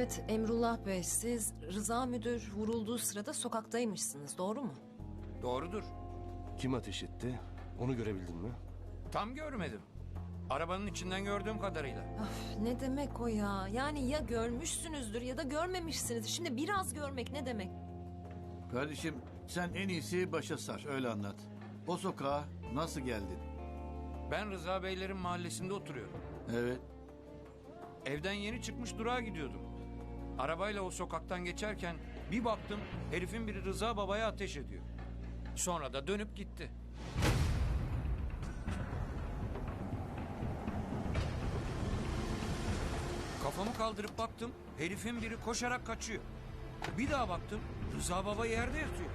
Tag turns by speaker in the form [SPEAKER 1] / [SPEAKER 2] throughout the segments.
[SPEAKER 1] Evet Emrullah Bey, siz Rıza Müdür vurulduğu sırada sokaktaymışsınız, doğru mu?
[SPEAKER 2] Doğrudur.
[SPEAKER 3] Kim ateş etti? Onu görebildin mi?
[SPEAKER 2] Tam görmedim. Arabanın içinden gördüğüm kadarıyla.
[SPEAKER 1] Öf, ne demek o ya? Yani ya görmüşsünüzdür ya da görmemişsinizdir. Şimdi biraz görmek ne demek?
[SPEAKER 4] Kardeşim sen en iyisi başa sar öyle anlat. O sokağa nasıl geldin?
[SPEAKER 2] Ben Rıza Beylerin mahallesinde oturuyorum.
[SPEAKER 4] Evet.
[SPEAKER 2] Evden yeni çıkmış durağa gidiyordum. Arabayla o sokaktan geçerken bir baktım herifin biri Rıza Baba'ya ateş ediyor. Sonra da dönüp gitti. Kafamı kaldırıp baktım herifin biri koşarak kaçıyor. Bir daha baktım Rıza Baba yerde yatıyor.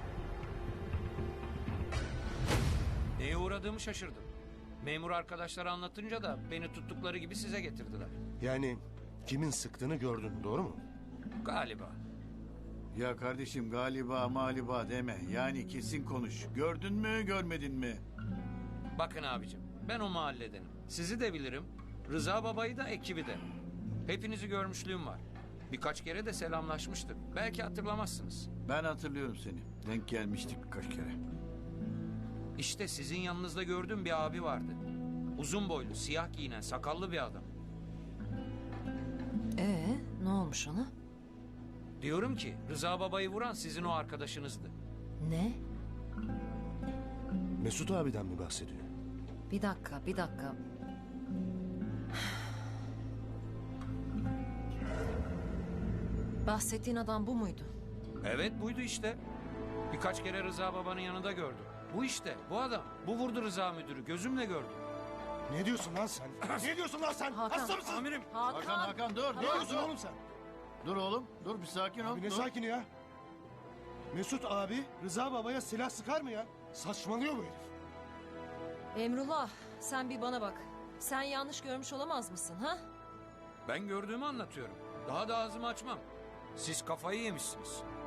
[SPEAKER 2] Neye uğradığımı şaşırdım. Memur arkadaşlara anlatınca da beni tuttukları gibi size getirdiler.
[SPEAKER 3] Yani kimin sıktığını gördün, doğru mu?
[SPEAKER 2] Galiba.
[SPEAKER 4] Ya kardeşim galiba maliba deme. Yani kesin konuş. Gördün mü görmedin mi?
[SPEAKER 2] Bakın abicim ben o mahalledenim. Sizi de bilirim. Rıza Baba'yı da ekibi de. Hepinizi görmüşlüğüm var. Birkaç kere de selamlaşmıştık. Belki hatırlamazsınız.
[SPEAKER 4] Ben hatırlıyorum seni. Denk gelmiştik birkaç kere.
[SPEAKER 2] İşte sizin yanınızda gördüğüm bir abi vardı. Uzun boylu, siyah giyinen, sakallı bir adam.
[SPEAKER 1] Ne olmuş ona?
[SPEAKER 2] Diyorum ki Rıza Baba'yı vuran sizin o arkadaşınızdı.
[SPEAKER 1] Ne?
[SPEAKER 3] Mesut abiden mi bahsediyor?
[SPEAKER 1] Bir dakika. Bahsettiğin adam bu muydu?
[SPEAKER 2] Evet buydu işte. Birkaç kere Rıza Baba'nın yanında gördüm. Bu işte, bu adam. Bu vurdu Rıza müdürü. Gözümle gördüm.
[SPEAKER 3] Ne diyorsun lan sen? Ne diyorsun lan sen?
[SPEAKER 1] Hakan.
[SPEAKER 3] Hasta mısın?
[SPEAKER 2] Amirim.
[SPEAKER 4] Hakan dur.
[SPEAKER 3] Ne diyorsun oğlum sen?
[SPEAKER 4] Dur oğlum. Dur bir sakin ol.
[SPEAKER 3] Abi ne
[SPEAKER 4] dur.
[SPEAKER 3] sakin ya? Mesut abi Rıza babaya silah sıkar mı ya? Saçmalıyor bu herif.
[SPEAKER 1] Emrullah, sen bir bana bak. Sen yanlış görmüş olamaz mısın ha?
[SPEAKER 2] Ben gördüğümü anlatıyorum. Daha da ağzımı açmam. Siz kafayı yemişsiniz.